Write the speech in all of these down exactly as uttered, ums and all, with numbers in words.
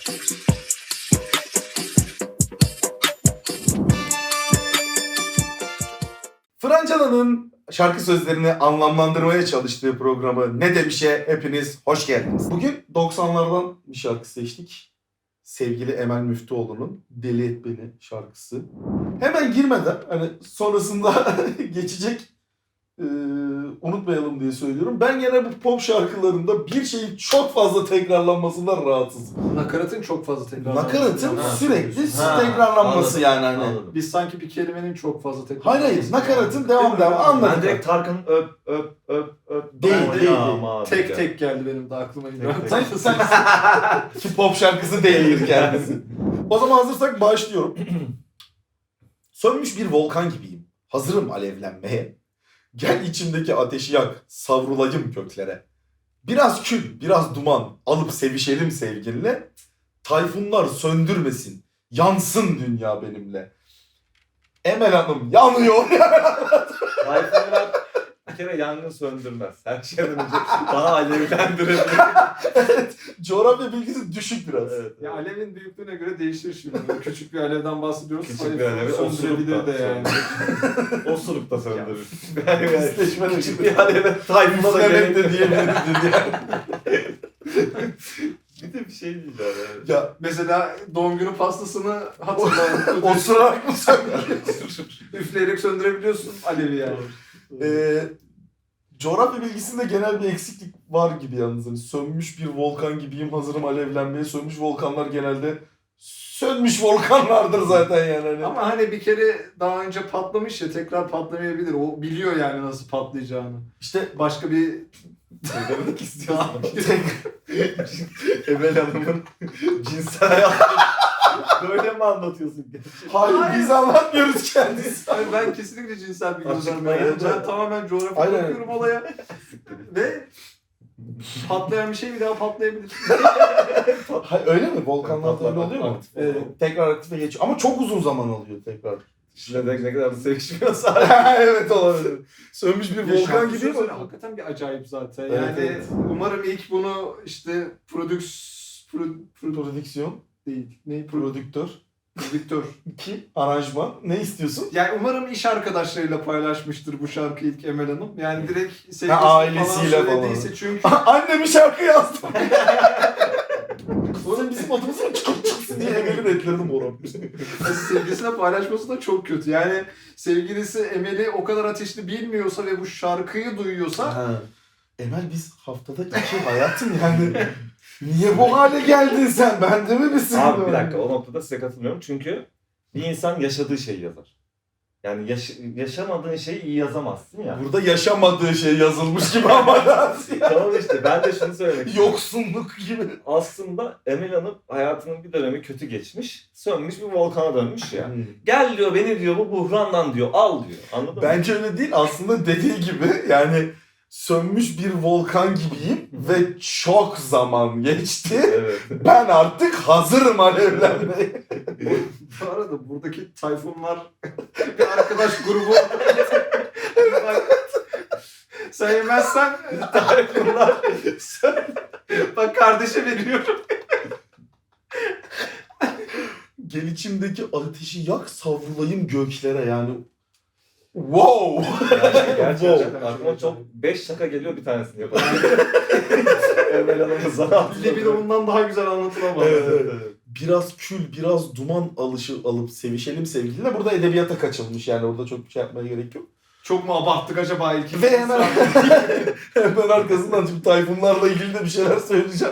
Francana'nın şarkı sözlerini anlamlandırmaya çalıştığı programı Ne Demiş'e hepiniz hoş geldiniz. Bugün doksanlardan bir şarkı seçtik. Sevgili Emel Müftüoğlu'nun Deli Et Beni şarkısı. Hemen girmeden hani sonrasında geçecek e, unutmayalım diye söylüyorum. Ben gene bu pop şarkılarında bir şeyin çok fazla tekrarlanmasından rahatsızım. Nakaratın çok fazla tekrarlanması. Nakaratın Ha, sürekli ha, tekrarlanması anladım, yani hani. anladım. Biz sanki bir kelimenin çok fazla tekrarlanması. Hayır hayır nakaratın devam devam anladım. Ben direkt Tarkan'ın öp öp öp öp. Değil, Ama değil, ya, değil. ama abi Tek ya. tek geldi benim de aklıma. Sen, sen ki pop şarkısı değildir kendisi. O zaman hazırsak başlıyorum. Sönmüş bir volkan gibiyim. Hazırım alevlenmeye. Gel içimdeki ateşi yak. Savrulayım köklere. Biraz kül, biraz duman. Alıp sevişelim sevgilinle. Tayfunlar söndürmesin. Yansın dünya benimle. Emel Hanım yanıyor. Tayfunlar bir kere yangın söndürmez. Her şeyden önce bana alevlendirebilir. Evet, coğrafya bilgisi düşük biraz. Evet. Ya alevin büyüklüğüne göre değişir şimdi. Küçük bir alevden bahsediyoruz. Küçük bir alevi söndürebilir de yani. Osuruk da söndürür. Pisleşme de Küçük bir aleve Tayfun'a da Pislemek gerek de yok. diyebiliriz yani. Bir de bir şey diyeceğim yani. Ya Mesela doğum günü pastasını hatırlayın. osurarak mı söndürüyorsun? Üfleyerek söndürebiliyorsun alevi yani. Ee, coğrafya bilgisinde genel bir eksiklik var gibi yalnız. Hani sönmüş bir volkan gibiyim, hazırım alevlenmeye. Sönmüş volkanlar genelde sönmüş volkanlardır zaten yani. Hani. Ama hani bir kere daha önce patlamış ya tekrar patlamayabilir. O biliyor yani nasıl patlayacağını. İşte Başka bir Ne demek istiyorsun? tek- Emel Hanım'ın cinsel hayatını böyle mi anlatıyorsun? hayır, Hayır. biz anlatmıyoruz kendisi. Hayır, ben kesinlikle cinsel bir gönderme. Açıklayın. Yani ben tamamen coğrafya Aynen. bakıyorum olaya. Ve patlayan bir şey bir daha patlayabilir. Hayır, öyle mi? Volkanlarda öyle oluyor mu? Aktif Ee, oluyor. tekrar aktife geçiyor. Ama çok uzun zaman alıyor tekrar. Ne, ne kadar da sevişmiyorsa. Evet olabilir. Sönmüş bir volkan Şarkı gibi sözleri ama. hakikaten bir acayip zaten. Evet, Yani evet. umarım ilk bunu işte prodüks... Pro, pro, Prodüksiyon, değil. Ne? Pro, prodüktör, prodüktör. iki aranjman. Ne istiyorsun? Yani umarım iş arkadaşlarıyla paylaşmıştır bu şarkı ilk Emel Hanım. Yani direkt sevgilisi ailesiyle falan. söylediyse çünkü... Anne bir şarkı yazdım. Sonra bizim adımız mı çıksın diye Emel'in etlerini morarmış. sevgilisine paylaşması da çok kötü. Yani sevgilisi Emel'i o kadar ateşli bilmiyorsa ve bu şarkıyı duyuyorsa Ha. Emel biz haftada iki hayatım yani. Niye bu hale geldin sen? Bende mi bir sıkıntı Abi bir var? dakika o noktada size katılmıyorum çünkü bir insan yaşadığı şeyi yazar. Yani yaş- yaşamadığın şeyi iyi yazamazsın ya. Burada yaşamadığı şey yazılmış gibi ama Tamam işte ben de şunu söylemek istiyorum. yoksunluk gibi. Aslında Emel Hanım hayatının bir dönemi kötü geçmiş. Sönmüş bir volkana dönmüş ya. Hmm. Gel diyor beni diyor bu buhrandan diyor al diyor. Anladın mı? Bence öyle değil. Aslında dediği gibi yani sönmüş bir volkan gibiyim ve çok zaman geçti. Evet. Ben artık hazırım alevlenmeye. bu arada buradaki Tayfunlar bir arkadaş grubu. Bak, sen yemezsen Tayfunlar bak kardeşe veriyorum. Gel içimdeki ateşi yak savrulayım göklere yani. Wow! Yani gerçekten Wow. aklıma çok beş şaka geliyor bir tanesini yapalım. Emel Hanım'ın zanaatı. Libido bundan daha güzel anlatılamaz. Evet, evet. Biraz kül, biraz duman alışı alıp sevişelim sevgilinle. Burada edebiyata kaçılmış yani orada çok bir şey yapmaya gerek yok. Çok mu abarttık acaba ilk? Ve hemen hemen arkasından şimdi Tayfunlarla ilgili de bir şeyler söyleyeceğim.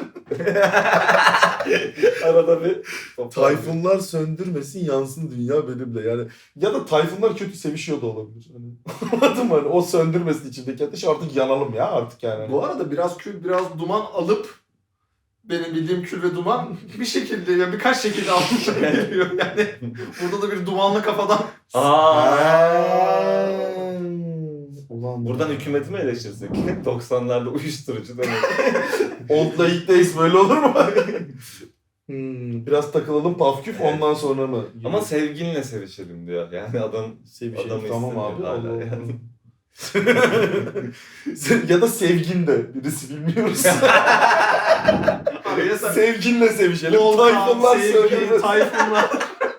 Arada bir Tayfunlar söndürmesin yansın dünya benimle yani. Ya da Tayfunlar kötü sevişiyor da olabilir. Hani, anladın mı? Hani o söndürmesin içindeki ateşi artık yanalım ya artık yani. Bu arada biraz kül biraz duman alıp benim bildiğim kül ve duman bir şekilde yani birkaç şekilde almış geliyor yani. Burada da bir dumanlı kafadan Aa. Ulan Buradan hükümeti mi eleştirsek? doksanlarda uyuşturucu demek. Old Late Days böyle olur mu? hmm, biraz takılalım pafküf ondan sonra mı? Ama sevgilinle sevişelim diyor. Yani adam Sevişelim adamı tamam istemiyor abi. hala Allah Allah. yani. Ya da sevgin de birisi bilmiyoruz. abi. Ya sen Sevginle sevişelim. Volkan, Tayfunlar sevgi, söylüyor. Tayfunlar.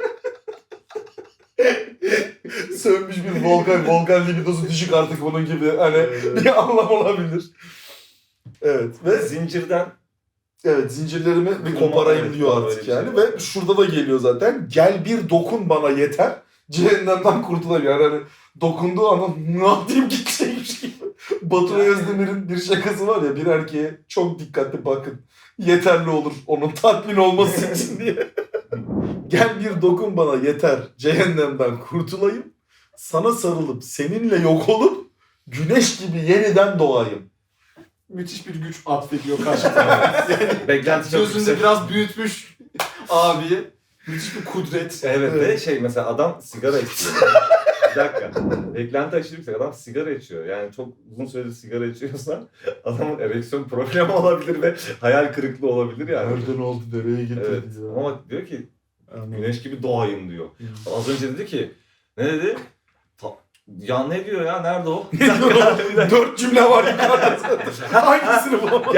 Sönmüş bir volkan. Volkan libidosu düşük artık bunun gibi. Hani bir anlam olabilir. Evet. Ve Zincirden evet zincirlerimi bir Kırma, koparayım evet, diyor falan artık öyle bir yani. şey var. Ve şurada da geliyor zaten. Gel bir dokun bana yeter. Cehennemden kurtulayım. Yani hani dokunduğu an ne yapayım gidecekmiş gibi. Batur Özdemir'in bir şakası var ya, bir erkeğe çok dikkatli bakın. Yeterli olur onun tatmin olması için diye. Gel bir dokun bana yeter. Cehennemden kurtulayım. Sana sarılıp seninle yok olup güneş gibi yeniden doğayım. Müthiş bir güç atfediyor karşı tarafa. Yani beklenti çok gözünde yüksek. biraz büyütmüş abiye. Müthiş bir kudret. Evet Evet. de şey mesela adam sigara içiyor. Bir dakika. Beklenti aşırı yüksek. Adam sigara içiyor. Yani çok uzun süredir sigara içiyorsa adamın ereksiyon problemi olabilir ve hayal kırıklığı olabilir yani. Nereden oldu, nereye gitti Evet. ya. Ama bak diyor ki Anladım. güneş gibi doğayım diyor. Hı. Az önce dedi ki ne dedi? Ta- ya ne diyor ya? Nerede o? Bir dakika. bir dakika. Dört cümle var yukarıda zaten. Hangisini bulamadım?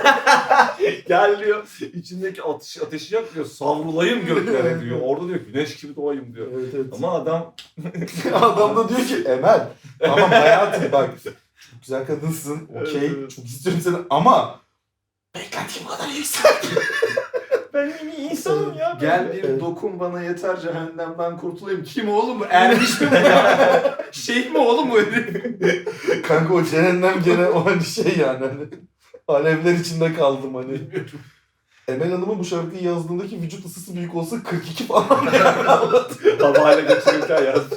Gel diyor. İçindeki ateş, ateşi yak diyor. Savrulayım göklere diyor. Orada diyor güneş gibi doğayım diyor. Evet, evet. Ama adam Adam da diyor ki Emel, tamam hayatım bak, çok güzel kadınsın, okey, Evet, evet. çok istiyorum seni ama beklentim bu kadar yüksek. ben iyi insanım ya. Gel bir Evet. dokun bana yeter cehennemden kurtulayım. Kim oğlum bu? Ermiş mi bu ya? Şeyh mi oğlum bu herif? Kanka o cehennem gene o hani şey yani hani alevler içinde kaldım hani. Emel Hanım'ın bu şarkıyı yazdığındaki vücut ısısı büyük olsa kırk iki falan yani. Havayla geçirirken yazmış.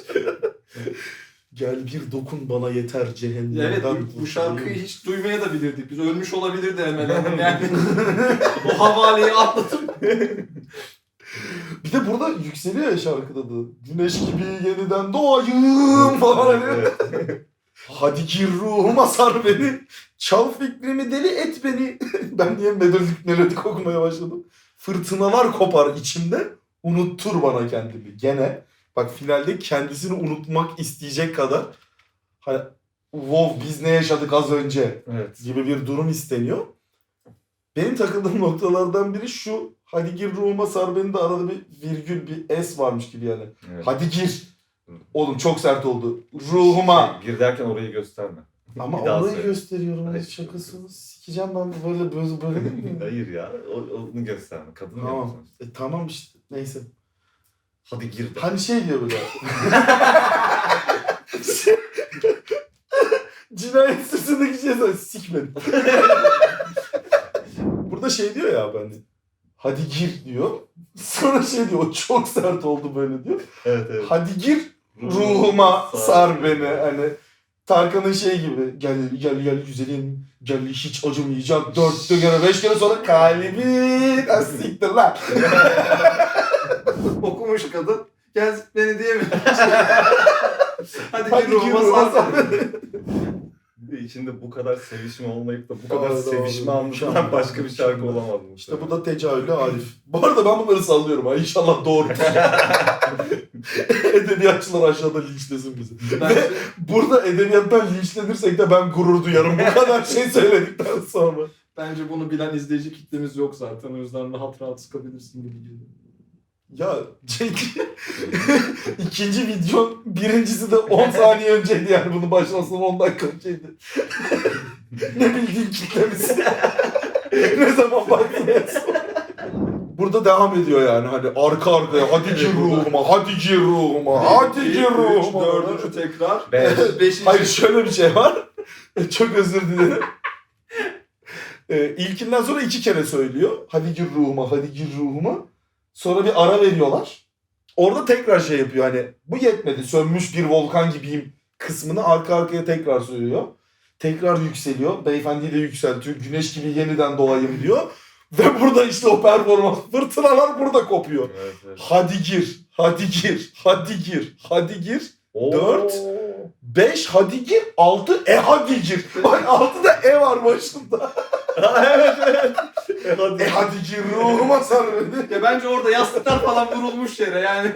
Gel bir dokun bana yeter cehennemden. Evet bu, bu şarkıyı kurtulayım. hiç duymaya da bilirdik. Biz ölmüş olabilirdi hemen hemen yani. O havaleyi atlatıp. Bir de burada yükseliyor ya şarkıda da. Güneş gibi yeniden doğayım falan hani. Evet. Hadi gir ruhuma sar beni. Çal fikrimi deli et beni. Ben niye melodik melodik okumaya başladım. Fırtınalar kopar içimde. Unuttur bana kendimi. Gene bak finalde kendisini unutmak isteyecek kadar hani wow biz ne yaşadık az önce Evet. gibi bir durum isteniyor. Benim takıldığım noktalardan biri şu. Hadi gir ruhuma sar beni de arada bir virgül bir S varmış gibi yani. Evet. Hadi gir. Oğlum çok sert oldu. Ruhuma. Şey, gir derken orayı gösterme. Ama Bir daha orayı söyle. gösteriyorum. Hayır. Hayır. Şakasını sikeceğim ben böyle böyle böyle değil mi? Hayır ya. O, onu gösterme. Kadın Tamam. yapıyorsun. E, tamam işte. Neyse. Hadi gir de. Hani şey diyor böyle. Cinayet süsündeki şey sana sikmedim. Burada şey diyor ya ben. Hadi gir diyor. Sonra şey diyor. O çok sert oldu böyle diyor. Evet evet. Hadi gir ruhuma sar beni. Hani Tarkan'ın şey gibi. Gel gel gel güzelim. Gel hiç acımayacak. Dört kere beş kere sonra kalbin. Ha, siktir lan. Okumuş kadın. Gel beni diye mi? Hadi, Hadi gir gir ruhuma ruhuma sar. sar beni. Bir de içinde bu kadar sevişme olmayıp da bu kadar Abi, sevişme abi, anlatılan mükemmel, başka bir şarkı mükemmel. olamaz mı? İşte bu da tecavüle Arif. Bu arada ben bunları sallıyorum ha. İnşallah doğrudur. Edebiyatçılar aşağıda linçlesin bizi. Bence Burada edebiyattan linçlenirsek de ben gurur duyarım. Bu kadar şey söyledikten sonra. Bence bunu bilen izleyici kitlemiz yok zaten. O yüzden rahat rahat sıkabilirsin gibi geliyor. Ya çünkü ikinci video birincisi de on saniye önceydi yani bunun başlamasından on dakika önceydi. Ne bildiğin kitlemiz. Ne zaman baktın en son? Burada devam ediyor yani hani arka arkaya hadi gir ruhuma, hadi gir ruhuma, hadi gir ruhuma. Dördüncü tekrar. Beş. Beşinci. Hayır şöyle bir şey var. Çok özür dilerim. Ee, ilkinden sonra iki kere söylüyor. Hadi gir ruhuma, hadi gir ruhuma. Sonra bir ara veriyorlar. Orada tekrar şey yapıyor hani bu yetmedi sönmüş bir volkan gibiyim kısmını arka arkaya tekrar söylüyor. Tekrar yükseliyor. Beyefendiyi de yükseltiyor. Güneş gibi yeniden doğayım diyor. Ve burada işte o performans. Fırtınalar burada kopuyor. Evet, evet. Hadi gir, hadi gir, hadi gir, hadi gir. Oo. Dört. Beş hadi gir, altı e hadi gir. Bak altıda e var başında. evet evet. E, hadi. E hadi gir ruhuma sar beni. Ya bence orada yastıklar falan vurulmuş yere yani.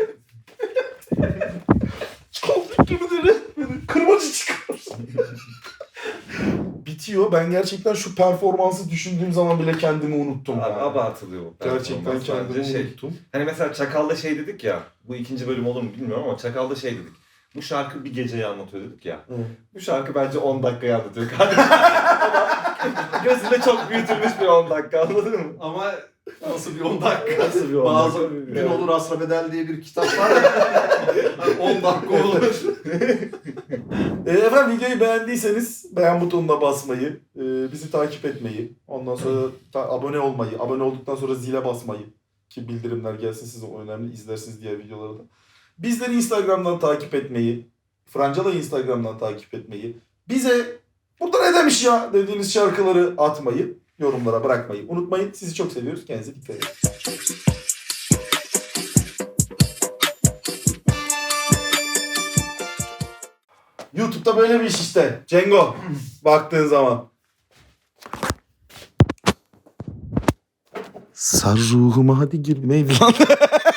Çaldık gibi de resmini. Kırmacı çıkar. Bir bitiyor. Ben gerçekten şu performansı düşündüğüm zaman bile kendimi unuttum. Abi, yani. abartılıyor bu Gerçekten performans. kendimi Bence şey. unuttum. Hani mesela Çakal'da şey dedik ya, bu ikinci bölüm olur mu bilmiyorum ama Çakal'da şey dedik. Bu şarkı bir geceyi anlatıyor dedik ya. Hı. Bu şarkı bence on dakikayı anlatıyor kardeşim. Ama gözünde çok büyütülmüş bir on dakika, anladın mı? Ama nasıl bir on dakika? Nasıl bir on Bazı dakika? Gün Olur Asra Bedel diye bir kitap var ya. on dakika olur. E, efendim videoyu beğendiyseniz beğen butonuna basmayı, e, bizi takip etmeyi, ondan sonra ta- abone olmayı, abone olduktan sonra zile basmayı ki bildirimler gelsin size o önemli, izlersiniz diğer videoları da. Bizleri Instagram'dan takip etmeyi, Francala'yı Instagram'dan takip etmeyi, bize burada ne demiş ya dediğiniz şarkıları atmayı, yorumlara bırakmayı unutmayın. Sizi çok seviyoruz. Kendinize dikkat edin. YouTube'da böyle bir iş işte. Cengo. Baktığın zaman. Sar ruhuma hadi girmeyin lan.